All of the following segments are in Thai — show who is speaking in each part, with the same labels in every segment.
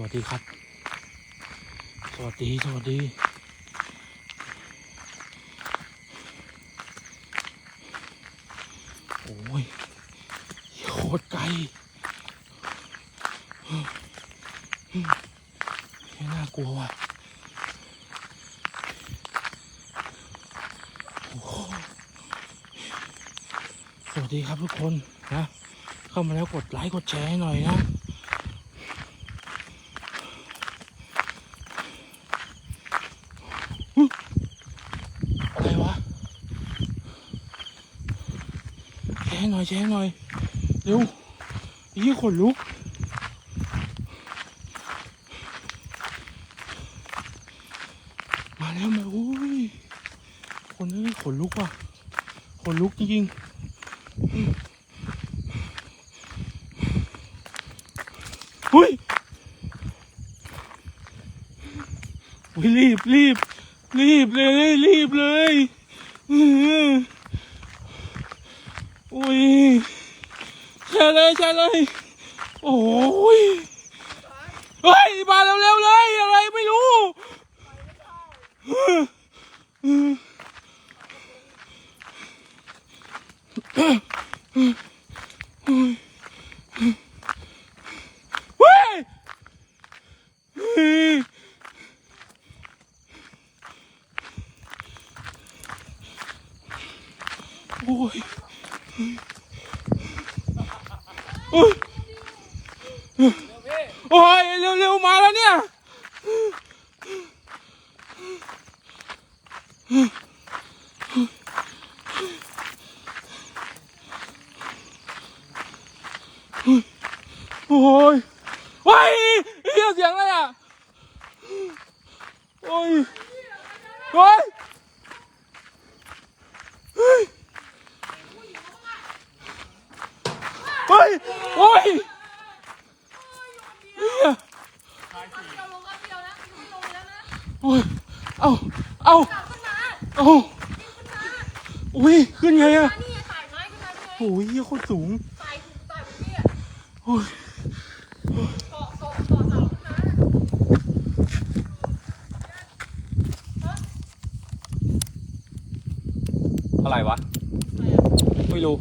Speaker 1: วัสดีครับสวัสดีโอ้ยโคตรไกลน่ากลัวว่ะสวัสดีครับทุกคนนะเข้ามาแล้วกดไลค์กดแชร์ให้หน่อยนะอะไรวะแชร์หน่อยเร็วยี่ขนลุกมาแล้วมาอุ้ยคนนี้ขนลุกว่ะขนลุกจริงๆอุ้ยรีบเลยอุ้ยแช่เลยโอ้ยเฮ้ยมาเร็วเลยอะไรไม่รู้เฮ้ยโอ้ยโอ้ยเร็วมาแล้วเนี่ยโอ้ยว้ายเหี้ยเสียงอะไรอ่ะโอ้ยโอ้ยโอ้ยเหี้ยโอ้ยเอาอุ้ยขึ้นไงอ่ะโอ้ยเหี้ยโคตรสูงโอ้ยอะไรวะไม่รู้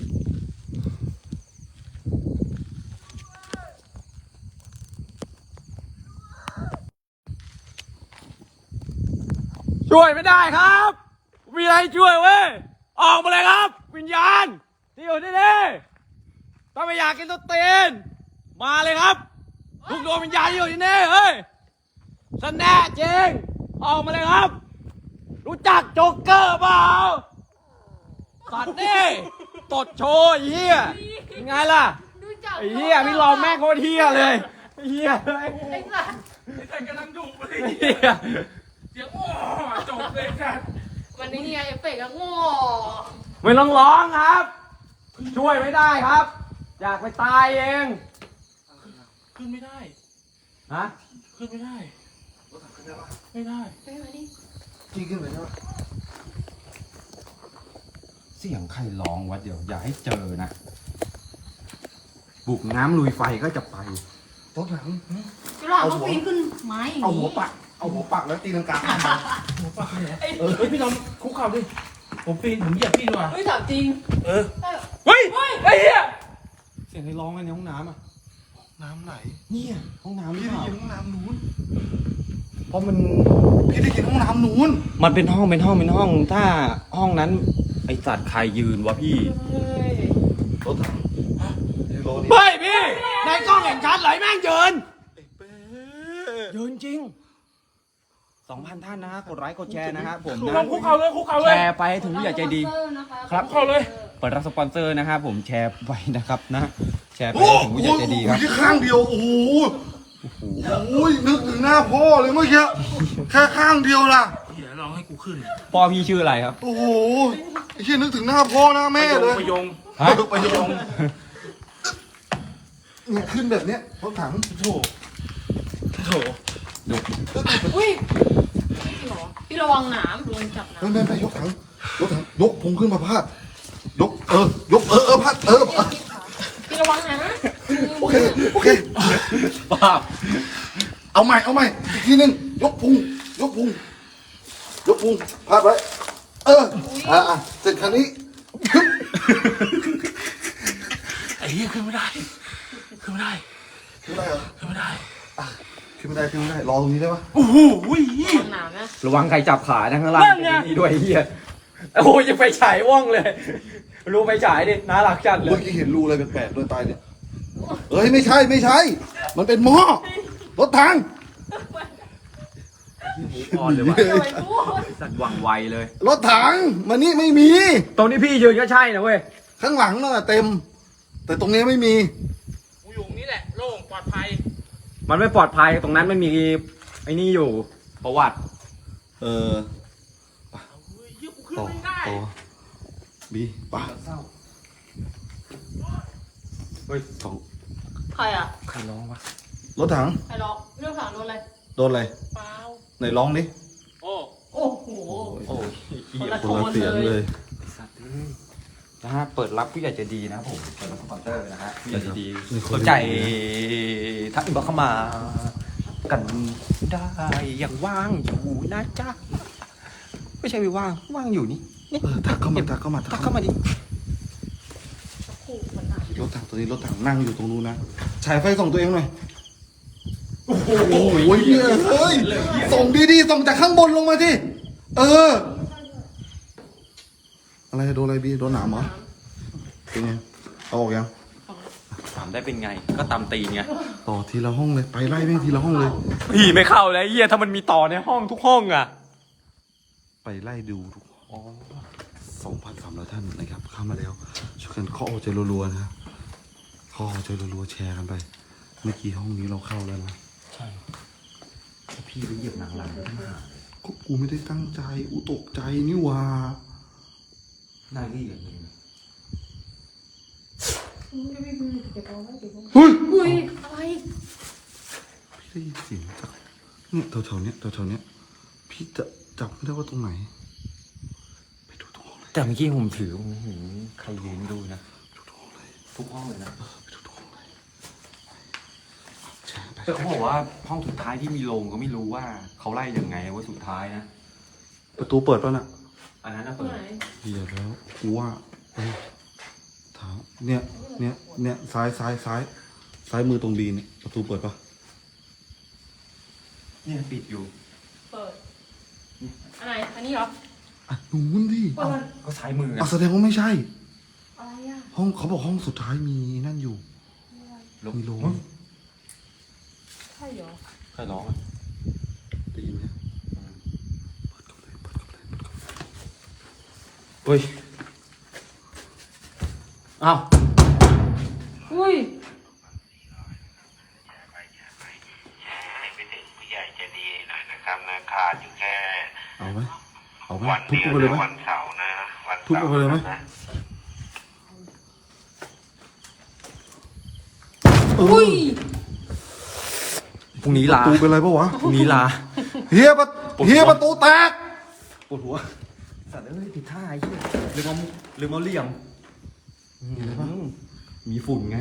Speaker 1: ช่วยไม่ได้ครับมีอะไรช่วยเว้ยออกมาเลยครับวิญญาณที่อยู่ที่นี่ถ้าไม่อยากกินตัวเตีนมาเลยครับทุกดวงวิญญาณที่อยู่ที่นี่เฮ้ยสแน่จริงออกมาเลยครับรู้จักโจ๊กเกอร์เปล่าสัตว์นี่ตดโชว์ไอ้เหี้ยยังไงล่ะไอ้เหี้ยพี่รอแม่งโคตรเหี้ยเลยไอ้เหี้ยเลยไอ้สัตว์กำลังดุเลยเหี้ยเสียงโอ้จบเลยครับ
Speaker 2: วันนี้เนี่ยเอฟเฟกต์ก็โง่
Speaker 1: ไม่ต้องร้องครับช่วยไม่ได้ครับอยากไปตายเองขึ้นไม่ได้ฮะขึ้นไม่ได้ไม่ได้
Speaker 3: จี้ขึ้นไปได้ปะเสียงใครร้องวะเดี๋ยวอย่าให้เจอนะบุกน้ำลุยไฟก็จะไปรถหลัง
Speaker 2: ก็หลังต้องปีนขึ้นไม้
Speaker 3: เอาหัวปักแล้วตีลังกา
Speaker 1: หัวปักเลยเฮ้ยพี่น้องคุกเข่าดิผมเหยียบพี่ดีกว่า
Speaker 2: เฮ้ยถามจริง
Speaker 1: เฮ้ยไอ้เหี้ย
Speaker 3: เสียงใครร้องกันในห้องน้ำอ่ะ
Speaker 1: น้ำไหน
Speaker 3: เนี่ยห้องน้ำ
Speaker 1: พี่ได้ยินห้องน้ำนู้น
Speaker 3: เพราะมัน
Speaker 1: พี่ได้ยินห้องน้ำนู้น
Speaker 3: มันเป็นห้องถ้าห้องนั้นไอสัตว์ใครยืนวะพี่รถถัง
Speaker 1: เฮ้ยพี่ในกล้องเห็นชัดเลยแม่งยืน
Speaker 3: จริง2,000 ท่านนะฮะกดไลค์กดแชร์นะครับผมนะ
Speaker 1: คุกเข่าเลย
Speaker 3: แชร์ไปให้ถึงผู้ใหญ่ใจดี
Speaker 1: ครับคุกเข่าเลย
Speaker 3: เปิดรับสปอนเซอร์นะครับผมแชร์ไปนะครับนะแชร์ไปให้ถึงผู้ใหญ่ใจดีครับ
Speaker 4: แค่ข้างเดียวโอ้โหนึกถึงหน้าพ่อเลยเมื่อกี้แค่ข้างเดียวล่ะ
Speaker 1: เดี๋ยวลองให้กูขึ้น
Speaker 3: พ่อพี่ชื่ออะไรครับ
Speaker 4: โอ้โหไอ้เชี่ยนึกถึงหน้าพ่อหน้าแม่เลย
Speaker 1: ประยง
Speaker 4: เนี่ยขึ้นแบบเนี้ยรถถัง
Speaker 1: โถ
Speaker 2: อุ้ยพี่ระวังหนามโดนจับน้
Speaker 4: ำไปยกถังยกพุงขึ้นมาพาดยกพาด
Speaker 2: พี่ระวังนะ
Speaker 4: โอเค
Speaker 3: ป้า
Speaker 4: เอาใหม่อีกทีหนึงยกพุงพาดไว้เสร็จครั้งนี้
Speaker 1: ไอ้เหี้ยขึ้นไม่ได้ขึ้นไม่ได้
Speaker 4: ขึ้นไม่ได้เหรอ
Speaker 1: ขึ้นไม่ได้
Speaker 4: ขึ้นไม่ได้รอตรงนี้ได้ปะ
Speaker 1: โอ้โห
Speaker 2: ระวังหนามนะ
Speaker 3: ระวังใครจับขานะข้างล่าง
Speaker 1: นั่นไง
Speaker 3: นี่ด้วยไอ้เฮียโอ้ยยังไปฉายว่องเลย รู้ไปฉายดิน่ารักจัดเล
Speaker 4: เมื่อย กี้เห็นรูอะไรแปลกๆด้วยใต้เนี่ยเอ้ยไม่ใช่ มันเป็นหม้อรถถัง
Speaker 3: อ่อนเลยว่ะ
Speaker 2: เดี๋ยวไปพูด
Speaker 3: สัตว์หวังไวเลย
Speaker 4: รถถังมานี่ไม่มี
Speaker 3: ตรงนี้พี่ยืนก็ใช่นะเว้ย
Speaker 4: ข้างหลังนั่นน่ะเต็ม แต่ตรงนี้ไม่มี
Speaker 1: กูอยู่นี่แหละโล่งปลอดภัย
Speaker 3: มันไม่ปลอดภัยตรงนั้นมันมีไอ้นี่อยู่ประวัติ
Speaker 4: เออ
Speaker 1: เฮ้ยกูขึ้น
Speaker 4: ต่อ
Speaker 1: ไม่ได้
Speaker 4: บีป่ะ
Speaker 3: เฮ้ย
Speaker 4: สอง
Speaker 2: ใครอ่ะ
Speaker 3: ใครร้องวะ
Speaker 4: รถถัง
Speaker 2: ใครร้องเรื่องถังโดนอะไร
Speaker 4: โดนอะไร
Speaker 1: เปล่า
Speaker 4: ไหนร้องดิ
Speaker 1: โอ้
Speaker 2: โอ้โห
Speaker 3: โอ้ย
Speaker 2: คนละ
Speaker 4: คนละเสียงเลย
Speaker 3: สัตว์เอ้ยนะฮะเปิดรับผู้ใหญ่ใจะดีนะครับผมเปิดรับสปอนเซอร์นะฮะผู้ใหญ่ใจะดี
Speaker 4: นี่คน
Speaker 3: สนใจทักอินบ็อกซ์เข้ามากันได้อย่างว่างอยู่นะจ๊ะไม่ใช่ไม่ว่างอยู่นี่
Speaker 4: ทักเข้ามา
Speaker 3: ทักเข้ามาดิ
Speaker 2: ขู่เหมือนหนาม
Speaker 4: รถถังตัวนี้รถถังนั่งอยู่ตรงนู้นนะฉายไฟส่องตัวเองหน่อย
Speaker 3: โอ้โห
Speaker 4: โอ้ยเนี่ยเฮ้ยส่งดีๆส่งจากข้างบนลงมาที่อะไรโดนอะไรบีโดนหนามเหรอเป็นไงเอาออกยัง
Speaker 3: ถามได้เป็นไงก็ตามตีนไง
Speaker 4: ต่อทีละห้องเลยไปไล่แม่งทีละห้องเลย
Speaker 3: พี่ไม่เข้าเลยเฮียถ้ามันมีต่อในห้องทุกห้องอ่ะ
Speaker 4: ไปไล่ดูทุก2,300 ท่านนะครับเข้ามาแล้วช่วยกันเคาะหัวใจรัวๆนะเคาะหัวใจรัวๆแชร์กันไป เมื่อกี้ห้องนี้เราเข้าแล้วนะ
Speaker 3: ใช่พี่ไปเหยียบหนังหลังขึ้นมา
Speaker 4: ก็กูไม่ได้ตั้งใจกูตกใจนี่หว่า
Speaker 3: น่าเกลียดเลย
Speaker 4: เฮ้ย
Speaker 2: อุ้ยอะไร
Speaker 4: พี่ได้ยินเสียงจากเนี่ยแถวๆเนี้ยพี่จะจับไม่ได้ว่าตรงไหนไปดูตรงห้องเลย
Speaker 3: แต่เมื่อกี้ผมถือใครยืนดูนะ
Speaker 4: ดูตรงห้องเลย
Speaker 3: ทุกห้องเลยนะ
Speaker 4: ไปดูตรงห้องเลยแชร์ไป
Speaker 3: แต่เขาบอกว่าห้องสุดท้ายที่มีโรงก็ไม่รู้ว่าเขาไล่ยังไงว่าสุดท้ายนะ
Speaker 4: ประตูเปิดป่ะน่ะ
Speaker 3: อันนั้นนะ
Speaker 2: ตร
Speaker 3: เปิ
Speaker 2: ง
Speaker 3: ด
Speaker 2: ไหน
Speaker 4: เหี้ยแล้วกูว่าเท้าเนี่ยซ้ายมือตรงบีเนี่ยประตูเปิดป่ะ
Speaker 3: เนี่ยปิดอยู่
Speaker 2: เปิดอันไหนอันนี้เหรอ
Speaker 4: อ่ะนู้นดิ
Speaker 2: เปิด
Speaker 3: ก็ซ้ายมือไง
Speaker 4: แสดงว่าไม่ใช่
Speaker 2: อะไรอ่ะ
Speaker 4: ห้องเขาบอกห้องสุดท้ายมีนั่นอยู่ มีโรง
Speaker 2: ใช่เหรอ
Speaker 3: ใครร้องอ่ะ
Speaker 4: ได้ยินไหมเปิดเข้าเลย
Speaker 3: เฮ้ยอ้าว
Speaker 2: อุ้ย
Speaker 5: ให้ไปถึงผู้ใหญ่ใจะดีหน่อยนะครับนะขาดอยู่แค่
Speaker 4: เอาไหมเอาไหม
Speaker 5: วัน
Speaker 4: ทุบ
Speaker 5: เดียว
Speaker 4: ไปเลยไหม
Speaker 5: นะวันเสาร์นะวัน
Speaker 4: ทุบ
Speaker 5: เสาร์
Speaker 4: ไปเลยไหม
Speaker 5: นะ
Speaker 2: อุ้ย
Speaker 3: พรุ่งนี้
Speaker 4: ประ
Speaker 3: ลา
Speaker 4: ตูเป็นไรปะวะ
Speaker 3: พรุ่งนี้ลา
Speaker 4: เฮียประตูแตก
Speaker 3: ปวดหัวสัตว์เอ้ยผิดท่าไอ้เหี้ยลืมเอาเหลี่ยมมีฝุ่นไง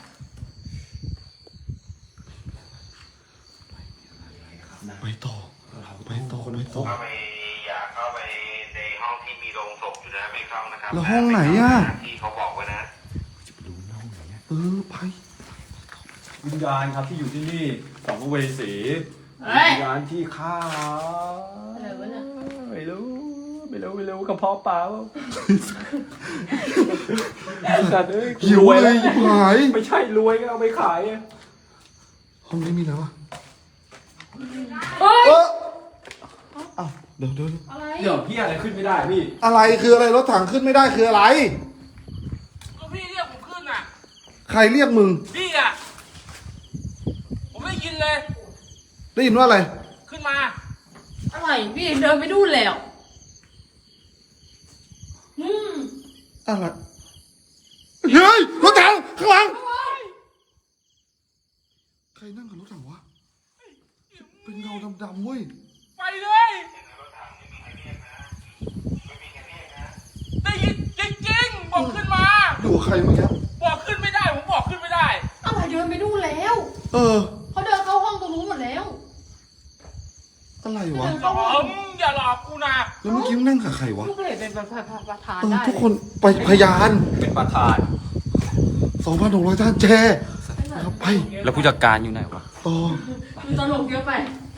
Speaker 4: ไปต่อ
Speaker 5: เข้าไปอยากเข้าไปในห้องที่มีโรงศพอยู่นะไม่เข้านะครับ
Speaker 4: แล้วห้องไหนอ่ะ
Speaker 5: ที่เขาบอกไว้นะ
Speaker 4: ไป
Speaker 3: วิญญาณครับที่อยู่ที่นี่สัมภเวสี
Speaker 2: เฮ้ย
Speaker 3: วิญญาณที่ฆ่า
Speaker 2: อะไรวะเนี่ย
Speaker 3: ไม่รู้กระเพาะปลาสัตว์เอ้ย
Speaker 4: หิว
Speaker 3: รวย
Speaker 4: เล
Speaker 3: แล้
Speaker 4: ยว หาย
Speaker 3: ไม่ใช่รวยก็เอาไปขายอะ
Speaker 4: ห้องนี้มีอะไรวะ
Speaker 2: เฮ้ย
Speaker 4: อ้าวเดี๋ยว
Speaker 2: อะไร
Speaker 3: เดี๋ยวพี่อะไรขึ้นไม่ได้พี่
Speaker 4: อะไรคืออะไรรถถังขึ้นไม่ได้คืออะไร
Speaker 1: ก็พี่เรียกผมขึ้นอ่ะ
Speaker 4: ใครเรียกมึง
Speaker 1: พี่อ่ะ ผมไม่ได้ยินเลย
Speaker 4: ได้ยินว่าอะไร
Speaker 1: ขึ้นมา
Speaker 2: อะไรพี่เดินไปดูแล้ว
Speaker 4: อะไร เฮ้ยรถถังข้างหลัง ใครนั่งกับรถถังวะ เป็นเงาดำๆเว้ย
Speaker 1: ไปเลยได้ยินจริงๆบอกขึ้นมา
Speaker 4: อยู่กับใครเมื่อกี้
Speaker 1: บอกขึ้นไม่ได้ ผมบอกขึ้นไม่ได้
Speaker 2: อะไรเดินไปดูแล้ว
Speaker 4: เออ
Speaker 2: เขาเดินเข้าห้องตรงนู้นหมดแล้ว
Speaker 4: วะ
Speaker 1: อย่าหลอกกูนะ
Speaker 4: แล้วเมื่อกี้มึงนั่งกับใครวะ
Speaker 2: ลูกก็เลยเป็นประธาน
Speaker 4: เออ
Speaker 2: ได้
Speaker 4: ทุกคนไปพยาน
Speaker 3: เป็นประธาน
Speaker 4: 2,600 ท่านแชร์นะครับไป
Speaker 3: แล้วผู้จัดการอยู่ไหนวะ
Speaker 4: ต่อ
Speaker 2: มันตลกเยอะไป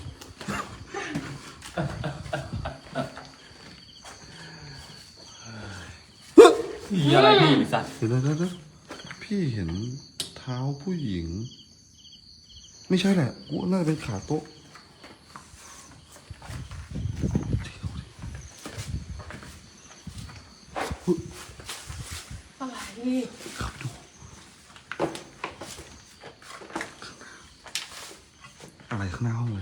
Speaker 3: มีอะไรพี่ไอ้สัตว์
Speaker 4: เดี๋ยวพี่เห็นเท้าผู้หญิง ไม่ใช่แหละกูว่าน่าจะเป็นขาโต๊ะ
Speaker 2: อะไร
Speaker 4: เข้าไปดูอะไรข้างหน้าห้องเลย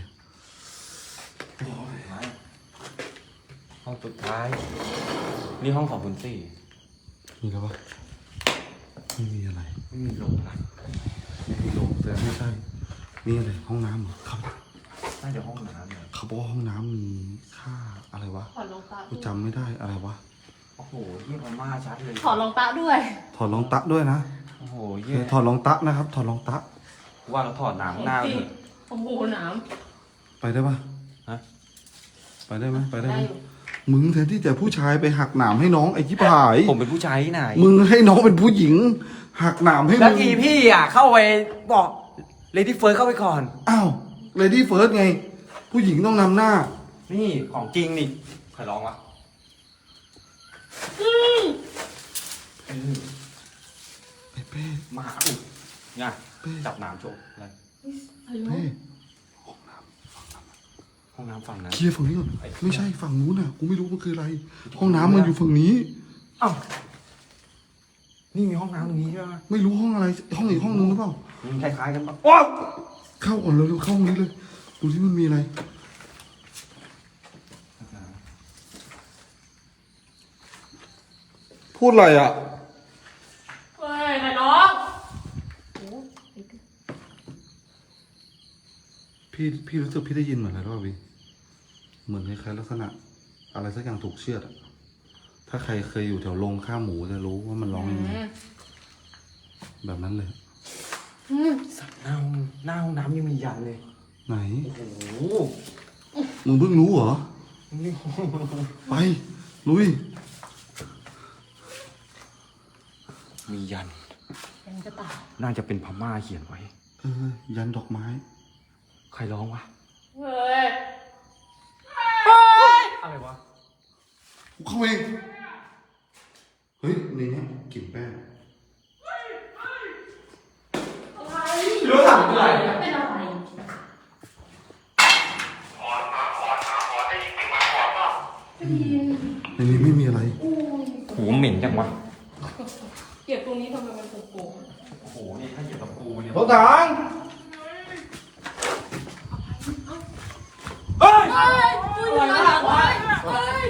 Speaker 3: ห้องสุดท้าย นี่ห้องของคุณสี่
Speaker 4: มีแล้วปะไม่มีอะไร
Speaker 3: ไม่มีลงนะ
Speaker 4: ไม่มีโรงแต่ไม่ใช่นี่อะไรห้องน้ำเหรอครับ
Speaker 3: น่าจะห้องน้ำเนี่ย
Speaker 4: เขาบอกว่าห้องน้ำมีค่าอะไรวะ
Speaker 2: ถอดรองเท้า
Speaker 4: กูจำไม่ได้อะไรวะ
Speaker 3: โอ้โหเยี่ยมมากชัดเลย
Speaker 2: ถอดรองเท้าด้วย
Speaker 4: ถอดรองตะด้วยนะ
Speaker 3: โอ้โห
Speaker 4: โอเค
Speaker 3: เยี่ยม
Speaker 4: ถอดรองตะนะครับ ถอดรองตะ
Speaker 3: ว่าเราถอดหนังหน้าเลย
Speaker 2: โอ้โหหนาม
Speaker 4: ไปได้ปะ
Speaker 3: ฮะ
Speaker 4: ไปได้ไหมไปได้
Speaker 2: ได้
Speaker 4: ไหม
Speaker 2: อยู่
Speaker 4: มึงแทนที่จะผู้ชายไปหักหนามให้น้องไอ้ที่ผาย
Speaker 3: ผมเป็นผู้ชายที่ไหน
Speaker 4: มึงให้น้องเป็นผู้หญิง หักหนามให้
Speaker 3: แล้ว
Speaker 4: มึง
Speaker 3: ทีพี่อ่ะเข้าไปบอกเลดี้เฟิร์สเข้าไปก่อน
Speaker 4: อ้าวเลดี้เฟิร์สไง ผู้หญิงต้องนำหน้า
Speaker 3: นี่ของจริงนี่ใครร้องวะ
Speaker 4: เป้เป้
Speaker 3: มาหาอุยไงจับน้ำโชว์อะไร
Speaker 2: อายุ
Speaker 4: เป้
Speaker 3: ห้องน้ำฝั่งนั้น
Speaker 4: เคลียร์ฝั่งนี้ก่อนไม่ใช่ฝั่งนู้นน่ะกูไม่รู้มันคืออะไร ห้องน้ำมันอยู่ฝั่งนี้
Speaker 3: อ้าวนี่มีห้องน้ำตรงนี้ใช่ไหม
Speaker 4: ไม่รู้ห้องอะไร ห้องอีกห้องนึงหรือเปล่า
Speaker 3: มันคล้ายๆกันปะโอ้
Speaker 4: เข้าก่อนเร็วๆเข้าห้องนี้เลย ดูที่มันมีอะไร พูดอะไรอ่ะ
Speaker 2: เฮ้ยใครร้อง
Speaker 4: พี่รู้สึกพี่ได้ยินเหมือนอะไรรู้ป่ะพี่เหมือนคล้ายๆลักษณะ อะไรสักอย่างถูกเชือดอะถ้าใครเคยอยู่แถวโรงฆ่าหมูจะรู้ว่ามันร้องยังไงแบบนั้นเลย
Speaker 3: สัตว์หน้าห้องน้ำยังมียันเลย
Speaker 4: ไหน
Speaker 3: โอ้โห
Speaker 4: มึงเพิ่งรู้เหรอ
Speaker 3: นี่
Speaker 4: ไป ลุย
Speaker 3: มียัน
Speaker 2: ยังจะตาย
Speaker 3: น่าจะเป็นพม่าเขียนไว้
Speaker 4: ยันดอกไม้
Speaker 3: ใครร้องวะ
Speaker 2: เฮ้ย
Speaker 3: อะไรวะ
Speaker 4: กูเข้าเอง เฮ้ยในเนี้ยกลิ่นแป้ง
Speaker 3: รู้ถามอะไร
Speaker 2: เป็นอะไร
Speaker 4: ในนี้ไม่มีอะไร
Speaker 3: หูเหม็นจังวะ
Speaker 2: เก็บตรงนี้ทำไมมันโป่ง
Speaker 3: โอ้โห นี่ถ้าเหยียบตะปูเนี่ย
Speaker 4: รถถัง
Speaker 3: เฮ้ย
Speaker 2: ๆเฮ้ยมึงอยู่หลังไว้เฮ้ย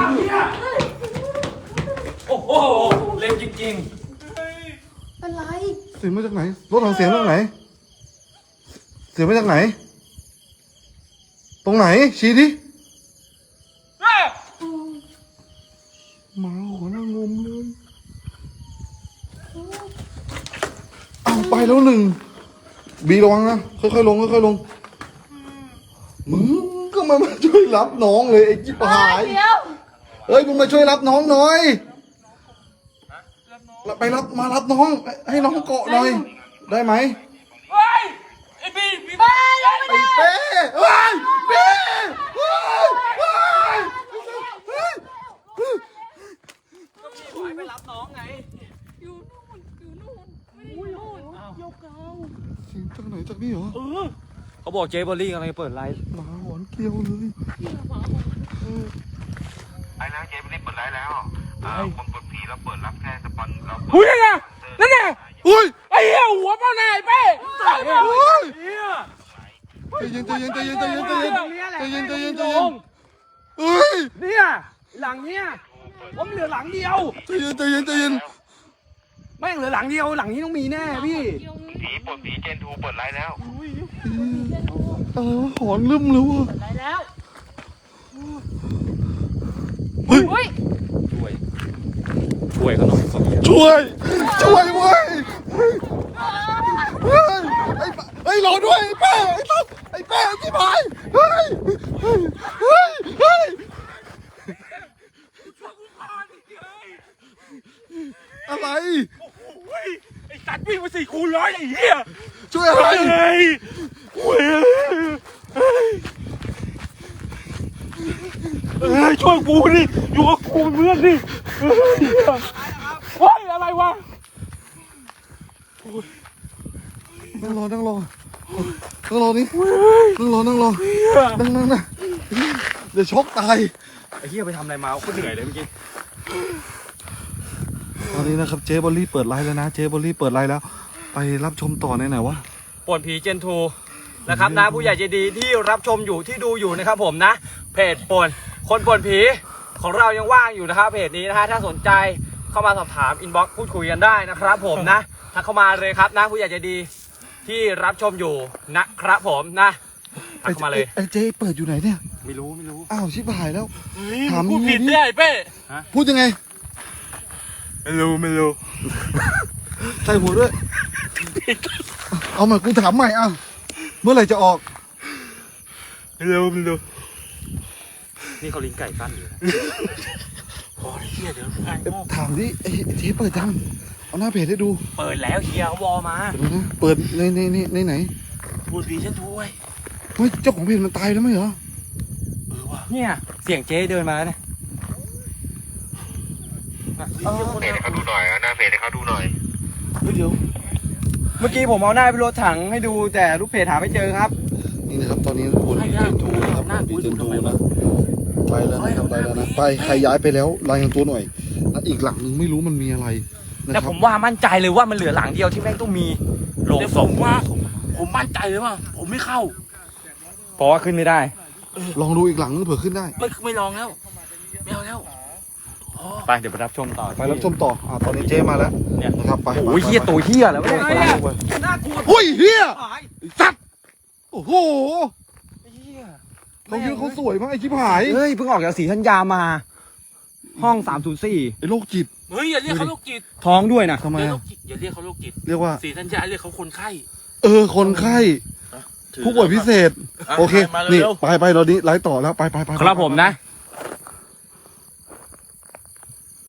Speaker 3: โอ้โห เล่นจริง
Speaker 2: เป็นไร
Speaker 4: เสียงมาจากไหน รถถังเสียงมาจากไหน เสียงมาจากไหน ตรงไหน ชี้ดิหมาหัวหน้างมเลยเอาไปแล้วหนึ่ง บีระวังนะ ค่อยๆลงค่อยๆลง มึงก็มาช่วยรับน้องเลยไอ้จิ๊บหาย
Speaker 2: เดี๋ยว
Speaker 4: เฮ้ยมึงมาช่วยรับน้องหน่อยไปรับมารับน้อง ให้น้องเกาะหน่อย ได้ไหม
Speaker 1: เฮ้ยไอ้พี่
Speaker 2: เฮ้ยยังไม่
Speaker 4: ไอ้
Speaker 2: ได้
Speaker 4: เป้เฮ้ยเป้เฮ้ยเฮ้ยเฮ้ย
Speaker 1: ไปรับน้องไง
Speaker 2: อยู่นู่นไม่ได้อยู่นู่น
Speaker 4: เสียงจากไหนจากนี่เหรอ
Speaker 3: เขาบอกเจเบอร์รี่กำลังจะเปิดไลฟ์
Speaker 4: หมาหอนเกลียวเลย
Speaker 5: ไอ้แล้วเจ๊ไม่ได้เปิดไลฟ์แล้วคนเปิดผีเราเปิดรับแค่สปอนเราเปิด
Speaker 1: อุ้ยไงนั่นไง
Speaker 4: อุ้ย
Speaker 1: ไอ้เหี้ยหัวเป้าหน้าไอ้เป้
Speaker 4: เฮ้ย
Speaker 1: เหี้ย
Speaker 4: ใจเย็นใจเย็นใจเย็นใจเย็นใจเย็นใจเย็นใจเย็นใจ
Speaker 1: ล
Speaker 4: เย็น
Speaker 1: ง
Speaker 4: เฮ้ย
Speaker 1: เนี่ยหลังเนี่ยผมเหลือหลังเดียว
Speaker 4: ใจเย็นใจเย็นใจเย็น
Speaker 1: แม่งเหลือหลังเดียวหลังนี้ต้องมีแน่พี่
Speaker 5: ผีเปิดผีเจนทูเปิดไลฟ์แล้ว
Speaker 4: หอนลืมเลยว่ะ
Speaker 2: ได้แล้ว
Speaker 4: เฮ้ย
Speaker 2: อุ้ย
Speaker 3: ช่วยเขาหน่อยเขาเนี่ย
Speaker 4: ช่วยช่วยเว้ยเฮ้ยเฮ้ยไอ้รอด้วยไอ้เป้ไอ้ตั๊กไอ้เป้ไอ้ที่พายเฮ้ยอะไร
Speaker 1: ไอ้สัตว์วิ่งมา4 คูณ 100ไอ้เหี้ย
Speaker 4: ช่วยอะไร
Speaker 1: เฮ้ยช่วยกูดิอยู่กับกูเป็นเพื่อนดิเฮ้ยอะไรวะ
Speaker 4: นั่งรอนี่นั่งรอนั่งเดี๋ยวช็อกตาย
Speaker 1: ไอ้เหี้ยไปทำอะไรมาโคตรเหนื่อยเลยเมื่อกี้
Speaker 4: ตอนนี้นะครับเจ๊บอลลี่เปิดไลฟ์แล้วนะ เจ๊บอลลี่เปิดไลฟ์แล้ว ไปรับชมต่อในไหนวะ
Speaker 3: ป่วนผีเจนทูนะครับนะผู้ใหญ่ใจดีที่รับชมอยู่ที่ดูอยู่นะครับผมนะเพจป่วนคนป่วนผีของเรายังว่างอยู่นะครับเพจนี้นะฮะถ้าสนใจเข้ามาสอบถามอินบ็อกซ์พูดคุยกันได้นะครับผมนะทักเข้ามาเลยครับนะผู้ใหญ่ใจดีที่รับชมอยู่นะครับผมนะทักเข้ามาเลย
Speaker 4: ไอ้เจ๊เปิดอยู่ไหนเนี่ย
Speaker 3: ไม่รู้
Speaker 4: อ้าวชิบหายแล้ว ถาม
Speaker 1: พูดผิด
Speaker 4: ดิ
Speaker 1: ได้เป้
Speaker 4: พูดยังไง
Speaker 1: ไม่รู้
Speaker 4: ใส่หัวด้วย เอาใหม่กูถามใหม่อ่ะเมื่อไหร่จะออก
Speaker 1: ไม่รู้
Speaker 3: นี่เขาลิ้นไก่กั้นอยู่นะ
Speaker 1: โอ้ยเหี้ยเดี๋ยวไอ้โง่
Speaker 4: ถามดิไอ้เจ๊เปิดจังเอาหน้าเพจให้ดู
Speaker 3: เปิดแล้วเฮียเขาวอมา
Speaker 4: เดี๋ยวนะเปิดในไหน
Speaker 1: พูดผีฉันถ้วย
Speaker 4: เฮ้ยเจ้าของเพจมันตายแล้วไหมเหรอ
Speaker 3: เนี่ยเสียงเจ๊เดินมาเนี่ย
Speaker 5: เพจให้เขาดูหน่อยหน้าเพจให้เขาดูหน่อย
Speaker 4: เฮ้ยเดี๋ยว
Speaker 3: เมื่อกี้ผมเอาหน้าไปรถถังให้ดูแต่ลูกเพจหาไม่เจอครับ
Speaker 4: นี่นะครับตอนนี้คนเจนทูนะครับคนเจนทูนะไปแล้วนะครับไปแล้วนะไปใครย้ายไปแล้วรายงานตัวหน่อยแล้วอีกหลังนึงไม่รู้มันมีอะไรนะ
Speaker 3: แต่
Speaker 4: ค
Speaker 3: ผ
Speaker 4: รับ
Speaker 3: มว่ามั่นใจเลยว่ามันเหลือหลังเดียวที่แม่งต้องมีโรง
Speaker 1: แต่
Speaker 3: ศ
Speaker 1: ผ
Speaker 3: พ
Speaker 1: มว่าผมมั่นใจเลยว่าผมไม่เข้า
Speaker 3: เพราะว่าขึ้นไม่ได้
Speaker 4: ลองดูอีกหลังนึงเผื่อขึ้นได้
Speaker 1: ไม่ลองแล้วไม่เอาแล้ว
Speaker 3: ไปเดี๋ยวไปรับชมต่อ
Speaker 4: ไปรับชมต่อตอนนี้เจ๊มาแล้ว
Speaker 3: เนี่ย
Speaker 4: นะครับไป
Speaker 3: โอ้ยเฮียตัวเฮียแล้วเนี่ย
Speaker 1: น่ากลัว
Speaker 4: เฮ้ยเฮียสัตว์โอ้โหเขาเยอะเขาสวยมากไอ้ชิบหาย
Speaker 3: เฮ้ยเพิ่งออกจากศรีธัญญามา ห้อง304
Speaker 4: ไอ้โรคจิต
Speaker 1: เฮ้ยอย่าเรียกเขาโรคจิต
Speaker 3: ท้องด้วยนะ
Speaker 4: ทำไม
Speaker 1: เรียกโร
Speaker 4: อะ
Speaker 1: คจิตอย่าเรียกเขาโรคจิต
Speaker 4: เรียกว่า
Speaker 1: สีธัญญาเรียกเขาคนไข้
Speaker 4: คนไข้ผู้ป่วยพิเศษ โอเค
Speaker 1: มา
Speaker 4: นี่
Speaker 1: เร็ว
Speaker 4: ไปเรานี้ไลฟ์ต่อแล้วไป
Speaker 3: ครับผมนะ